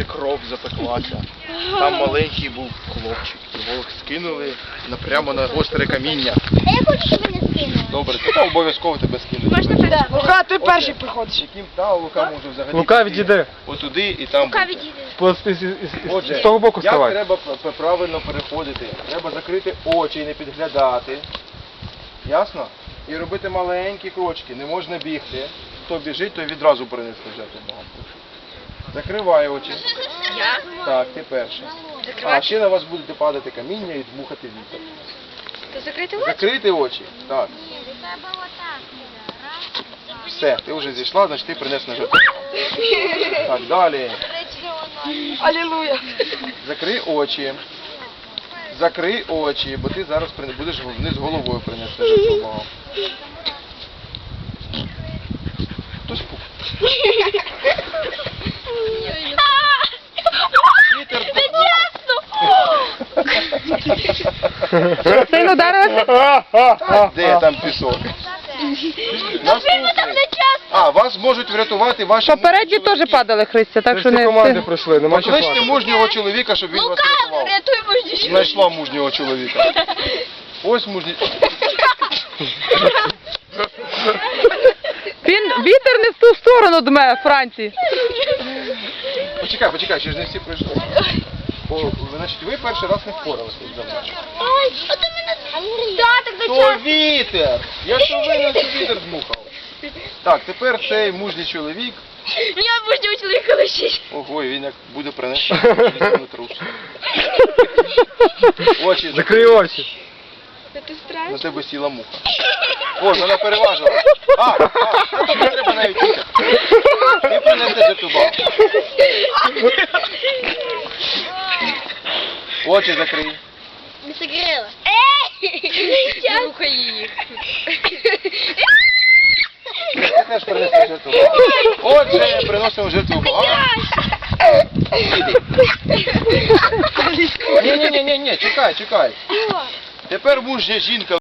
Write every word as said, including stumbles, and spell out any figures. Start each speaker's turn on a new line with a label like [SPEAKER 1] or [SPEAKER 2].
[SPEAKER 1] кров запеклася. Там маленький був хлопчик. Його скинули прямо на гостре каміння.
[SPEAKER 2] А я хочу, щоб мене скинули.
[SPEAKER 1] Добре, то обов'язково тебе скинуть.
[SPEAKER 2] Можна так?
[SPEAKER 3] Лука, ти перший приходиш.
[SPEAKER 1] Яким та Лука може взагалі.
[SPEAKER 4] Лука,
[SPEAKER 1] піти
[SPEAKER 4] відійди.
[SPEAKER 1] Отуди і там.
[SPEAKER 2] Лука
[SPEAKER 1] бути.
[SPEAKER 2] відійде.
[SPEAKER 4] З, з, з, з,
[SPEAKER 1] Отже,
[SPEAKER 4] з того боку
[SPEAKER 1] як
[SPEAKER 4] вставай.
[SPEAKER 1] треба п- правильно переходити? Треба закрити очі і не підглядати. Ясно? І робити маленькі крочки. Не можна бігти. Хто біжить, той відразу перенесе жертву Богом. Закривай очі.
[SPEAKER 2] Я?
[SPEAKER 1] Так, ти перший. А ще на вас буде падати каміння і дмухати вітер.
[SPEAKER 2] То закрити очі?
[SPEAKER 1] Закрити очі. Так.
[SPEAKER 2] Треба отак.
[SPEAKER 1] Все, ти вже зійшла, значить ти принес на жертву. Так, далі.
[SPEAKER 3] Алілуя.
[SPEAKER 1] Закрий очі. Закрий очі, бо ти зараз при- будеш вниз головою принести жертву Богу. Хтось пух. Вітер
[SPEAKER 5] Сильно ударилася?
[SPEAKER 1] Де там пісок? Наступний. А, вас можуть врятувати ваші
[SPEAKER 5] Попередні
[SPEAKER 1] мужні чоловіки.
[SPEAKER 5] теж падали, Христя, так
[SPEAKER 4] Це
[SPEAKER 5] що
[SPEAKER 4] всі
[SPEAKER 5] не...
[SPEAKER 4] команди пройшли, нема що
[SPEAKER 1] Покличте
[SPEAKER 4] плакати.
[SPEAKER 1] мужнього чоловіка, щоб він вас рятував.
[SPEAKER 2] Рятуй мужню.
[SPEAKER 1] Знайшла мужнього чоловіка. Ось мужній.
[SPEAKER 5] Він вітер не в ту сторону дме, Франції.
[SPEAKER 1] Почекай, почекай, ще ж не всі пройшли. О, значить, ви перший раз не впоралися із завданням.
[SPEAKER 2] Ой, а то мене... Да, так
[SPEAKER 1] То
[SPEAKER 2] зачем?
[SPEAKER 1] вітер! Я що винен, що вітер дмухав. Так, тепер цей мужній чоловік.
[SPEAKER 2] Мені мужнього чоловіка лишить.
[SPEAKER 1] Ого, і він як буде принести трус. Очі
[SPEAKER 4] Закрий очі.
[SPEAKER 2] Це
[SPEAKER 1] на
[SPEAKER 2] страшно.
[SPEAKER 1] тебе сіла муха. О, вона переважила. А, а, тобі не треба навіть вітер. Ти принеси жертву Богу. Очі закрий.
[SPEAKER 2] Не согрела. Ей! Рухай її.
[SPEAKER 1] Ти теж принеси жертву Богу. Отже, приносимо жертву Богу. Іди. Ні, ні, ні, ні, ні, чекай, чекай. Тепер мужня жінка